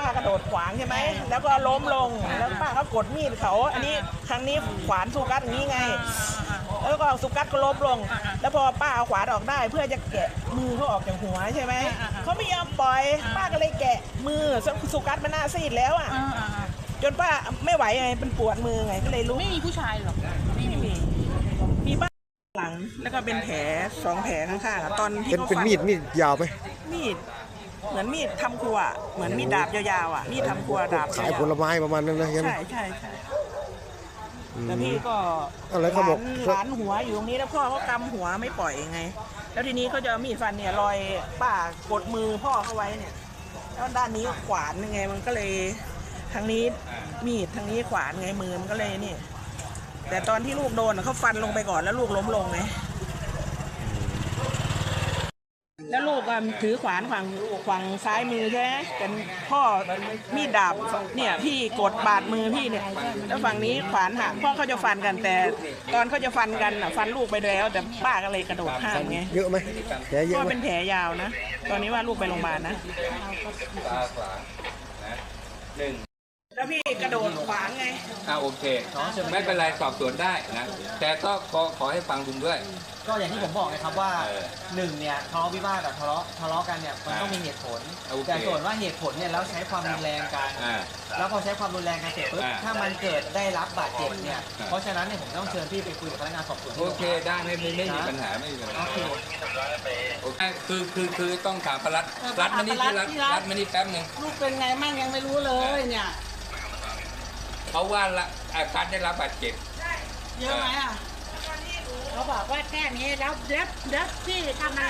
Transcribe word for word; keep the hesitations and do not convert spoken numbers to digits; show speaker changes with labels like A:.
A: ากระโดดขวางใช่ไหมแล้วก็ล้มลงแล้วป้าเขากดมีดเขาอันนี้ครั้งนี้ขวานสุกัสอย่างนี้ไงแล้วก็สุกัสก็ล้มลงแล้วพอป้าเอาขวานออกได้เพื่อจะแกะมือเขาออกจากหัวใช่ไหมเขาไม่ยอมปล่อยป้าก็เลยแกะมือสุกัสมันหน้าซีดแล้วอ่ะจนป้าไม่ไหวไงเป็นปวดมือไงก็เลยลุก
B: ไม่มีผู้ชายหรอก
A: ไม่มีมีป้าหลังแล้วก็เป็นแผลสองแผลข้างๆตอนที่
C: เป็น
A: เขา
C: เป็น
A: ฟัน
C: มีดมีดยาวไหม
A: มีดเหมือนมีดทำครัวเหมือนมีดดาบยาวๆอ่ะมีดทำครัวดาบ
C: ขายผลไม้ประมาณนั้นนะใช่ไหม
A: ใช่ใช่ใช่แล้วพี่ก็
C: อะไรเขาบอก
A: หลานหัวอยู่ตรงนี้แล้วพ่อเขากำหัวไม่ปล่อยไงแล้วทีนี้เขาจะมีดฟันเนี่ยรอยป้ากดมือพ่อเขาไว้เนี่ยแล้วด้านนี้ขวานยังไงมันก็เลยทางนี้มีดทางนี้ขวานไงมือมันก็เลยนี่แต่ตอนที่ลูกโดนเขาฟันลงไปก่อนแล้วลูกล้มลงไงแล้วลูกก็ถือขวานฝั่งฝั่งซ้ายมือใช่ไหมแต่พ่อมีดดาบเนี่ยพี่กดบาดมือพี่เนี่ยแล้วฝั่งนี้ขวานหักพ่อเขาจะฟันกันแต่ตอนเขาจะฟันกันอ่ะฟันลูกไปแล้วแต่ป้าก็เลยกระโดดข้ามไง
C: เยอะไหมแผลเยอะ
A: ก็
C: ไหม
A: เป็นแผลยาวนะตอนนี้ว่าลูกไปโรงพยาบาลนะ
D: หนึ่ง
A: แล้วพี่กระโดดขวางไง
D: อ่าโอเคไม่เป็นไรสอบสวนได้นะแต่ก็ขอขอให้ฟังลุงด้วย
E: ก็อย่างที่ผมบอกนะครับว่า
D: เออ
E: หนึ่งเนี่ยทะเลาะวิวาทกับทะเลาะทะเลาะกันเนี่ยมันต้องมีเหตุผล
D: โอเค
E: แต่ส่วนว่าเหตุผลเนี่ยแล้วใช้ความรุนแรงกัน
D: อ่า
E: แล้วพอใช้ความรุนแรงกันเสร็จปุ๊บ
D: อ่า
E: ถ้ามันเกิดได้รับบาดเจ็บเนี่ย
D: อ่า
E: เพราะฉะนั้นเนี่ยผมต้องเชิญพี่ไปคุยกับพนักงานสอบสวนที่
D: โอ
E: โรง
D: เค
E: พัก
D: ได้ไม่ไม่ไม่มีปัญหาไม่มีปัญหา
E: โอเค
D: โอเคคือคือคือต้องถามประรัดรัดมานี่ที่รัดรัดมานี่แป๊บหนึ่ง
B: ลูกเป็นไงมั่งยังไม่รู้เลยเนี่ย
D: เขาว่าละอ่าการได้รับบาดเจ็บ
B: เยอะไหมอ่ะเขาบอกว่าแค่นี้แล้วแล้วแล้วที่ทำอะไร